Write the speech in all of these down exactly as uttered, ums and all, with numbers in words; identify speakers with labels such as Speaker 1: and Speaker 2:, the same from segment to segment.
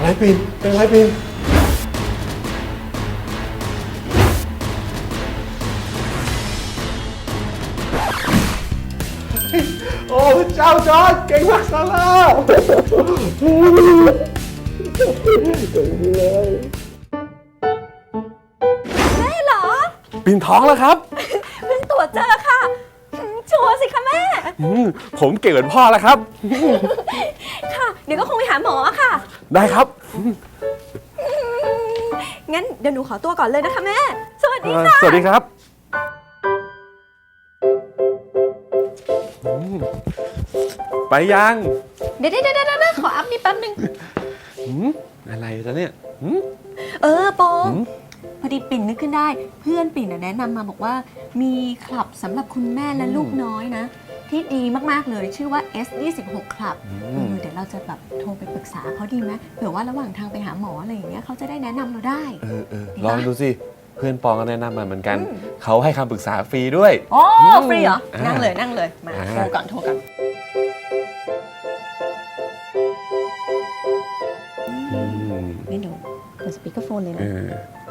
Speaker 1: ไรปิ่นเป็นไรปิ่นโอ้เจ้าจอร์จเก่งมากซาร่าเก่งเลย
Speaker 2: แม่เหรอ
Speaker 1: ปิ่นท้องแล้วครับ
Speaker 2: เพิ่งตรวจเจอค่ะอืมชัวร์สิคะแม่
Speaker 1: อืมผมเก่งเหมือนพ่อแล้วครับ
Speaker 2: ค่ะ เดี๋ยวก็คงไปหาหมอค่ะ
Speaker 1: ได้ครับ
Speaker 2: งั้นเดี๋ยวหนูขอตัวก่อนเลยนะคะแม่ สวัสดี
Speaker 1: เอ่อ
Speaker 2: ค่ะ
Speaker 1: สวัสดีครับอืมไปยัง
Speaker 2: เดี๋ยวเดี๋ยวเดี๋ยวเดี๋ยวขออัพนี่แป๊บนึง
Speaker 1: อืมอะไรจ๊ะเนี่ยอืม
Speaker 2: เออปอง
Speaker 1: อืม
Speaker 2: พอดีปิ่นนึกขึ้นได้ เพื่อนปิ่นน่ะแนะนำมาบอกว่า มีคลับสำหรับคุณแม่และลูกน้อยนะ ที่ดีมากๆเลยชื่อว่า เอส ยี่สิบหก คลับเออเดี๋ยวเราจะแบบโทรไปปรึกษาเขาดีไหมเผื่อว่าระหว่างทางไปหาหมออะไรอย่างเงี้ยเขาจะได้แนะนำเราได้
Speaker 1: เออเออ
Speaker 2: ดี
Speaker 1: ลอง
Speaker 2: ปะ
Speaker 1: ดูสิ เพื่อนปองก็แนะนำมาเหมือนกัน
Speaker 2: อืม
Speaker 1: เขาให้คำปรึกษาฟรีด้วย
Speaker 2: โอ้
Speaker 1: อืม
Speaker 2: ฟรีเหรอ
Speaker 1: อ่านั่
Speaker 2: นั่งเลยนั่งเลย มา
Speaker 1: อ่า
Speaker 2: โทรก่อนโทรก่อน
Speaker 1: อืม
Speaker 2: งั้นเดี๋ยวเปิดสปีกเกอร์โฟนเลย
Speaker 1: เอ
Speaker 2: นะ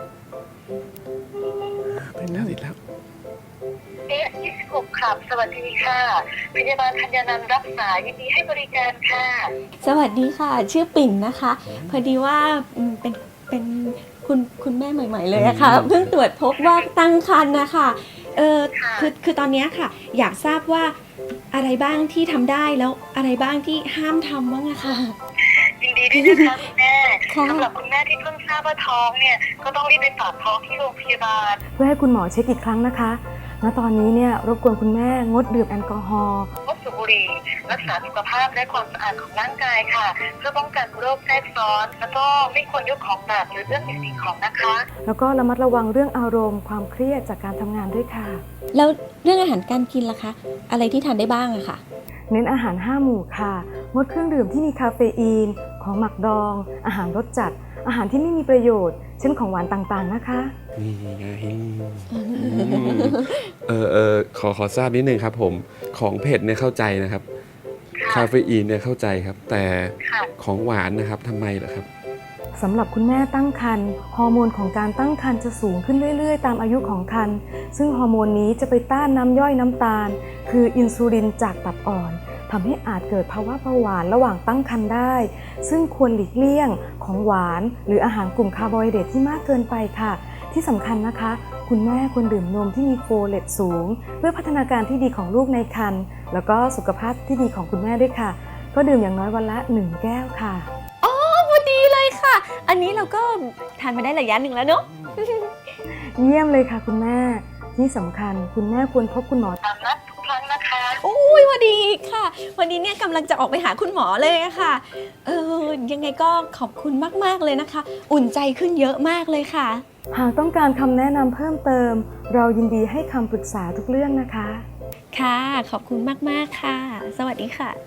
Speaker 1: อเป็นแล้วติดแล้ว
Speaker 3: เอสยี่สิบหกครับสวัสดีค่ะพยาบาลธัญนันท์รับสายยินดีให้บริการค่ะ
Speaker 2: สวัสดีค่ะ ชื่อปิ่นนะคะ พอดีว่าอืมเป็นเป็นคุณคุณแม่ใหม่ ๆ เลยอะค่ะ
Speaker 1: อืม
Speaker 2: เพิ่งตรวจพบว่าตั้งครรภ์นะคะเออ
Speaker 3: ค่ะ
Speaker 2: คือคือตอนเนี้ยค่ะ อยากทราบว่าอะไรบ้างที่ทำได้แล้วอะไรบ้างที่ห้ามทำบ้างอะค่ะ
Speaker 3: ยินดีด้วยนะคะคุณแม่
Speaker 2: ค่ะ
Speaker 3: สำหรับคุณแม่ที่เพิ่งทราบว่าท้องเนี่ยก็ต้องรีบไปฝากท้องที่โรงพยาบาล
Speaker 4: เพื่อให้คุณหมอเช็คอีกครั้งนะคะ ณ ตอนนี้เนี่ยรบกวนคุณแม่งดดื่มแอลกอฮอล์
Speaker 3: งดสูบบุหรี่รักษาสุขภาพและความสะอาดของร่างกายค่ะ เพื่อป้องกันโรคแทรกซ้อน แล้วก็ไม่ควรยกของหนักหรือเรื่องสิ่งของนะคะ
Speaker 4: แล้วก็ระมัดระวังเรื่องอารมณ์ความเครียดจากการทำงานด้วยค่ะ
Speaker 2: แล้วเรื่องอาหารการกินล่ะคะ อะไรที่ทานได้บ้างอะค่ะ
Speaker 4: เน้นอาหารห้าหมู่ค่ะ งดเครื่องดื่มที่มีคาเฟอีน ของหมักดอง อาหารรสจัด อาหารที่ไม่มีประโยชน์ เช่นของหวานต่างๆนะคะ
Speaker 1: นี่ไงอืมเออเออขอขอทราบนิดนึงครับผม ของเผ็ดเนี่ยเข้าใจนะครับ คาเฟอีนเนี่ยเข้าใจครับ แต่
Speaker 3: ค่ะ
Speaker 1: ของหวานนะครับทำไมเหรอครับ
Speaker 4: สำหรับคุณแม่ตั้งครรภ์ฮอร์โมนของการตั้งครรภ์จะสูงขึ้นเรื่อยๆ ตามอายุของครรภ์ซึ่งฮอร์โมนนี้จะไปต้านน้ำย่อยน้ำตาล คืออินซูลินจากตับอ่อนทำให้อาจเกิดภาวะเบาหวานระหว่างตั้งครรภ์ได้ ซึ่งควรหลีกเลี่ยงของหวาน หรืออาหารกลุ่มคาร์โบไฮเดรตที่มากเกินไปค่ะ ที่สำคัญนะคะ คุณแม่ควรดื่มนมที่มีโฟเลตสูง เพื่อพัฒนาการที่ดีของลูกในครรภ์แล้วก็สุขภาพที่ดีของคุณแม่ด้วยค่ะ ก็ดื่มอย่างน้อยวันละหนึ่งแก้วค่ะ
Speaker 2: อ๋อพอดีเลยค่ะ อันนี้เราก็ทานมาได้ระยะหนึ่งแล้วเนอะ
Speaker 4: เยี่ยมเลยค่ะคุณแม่ ที่สำคัญคุณแม่ควรพบคุณหมอ
Speaker 3: ตามนัดทุกครั้งนะคะ
Speaker 2: โอ้ยพอดีค่ะ วันนี้เนี่ยกำลังจะออกไปหาคุณหมอเลยอะค่ะ เออยังไงก็ขอบคุณมากๆเลยนะคะ อุ่นใจขึ้นเยอะมากเลยค่ะ
Speaker 4: หากต้องการคำแนะนำเพิ่มเติม เรายินดีให้คำปรึกษาทุกเรื่องนะคะ
Speaker 2: ค่ะ ขอบคุณมากๆค่ะ สวัสดีค่ะ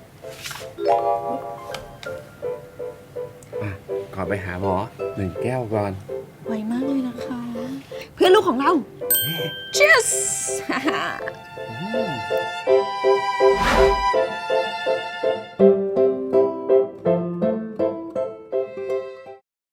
Speaker 1: อ่ะก่อนไปหาหมอหนึ่งแก้วก่อน
Speaker 2: ไวมากเลยนะคะ เพื่อนลูกของเรา cheers
Speaker 1: อืม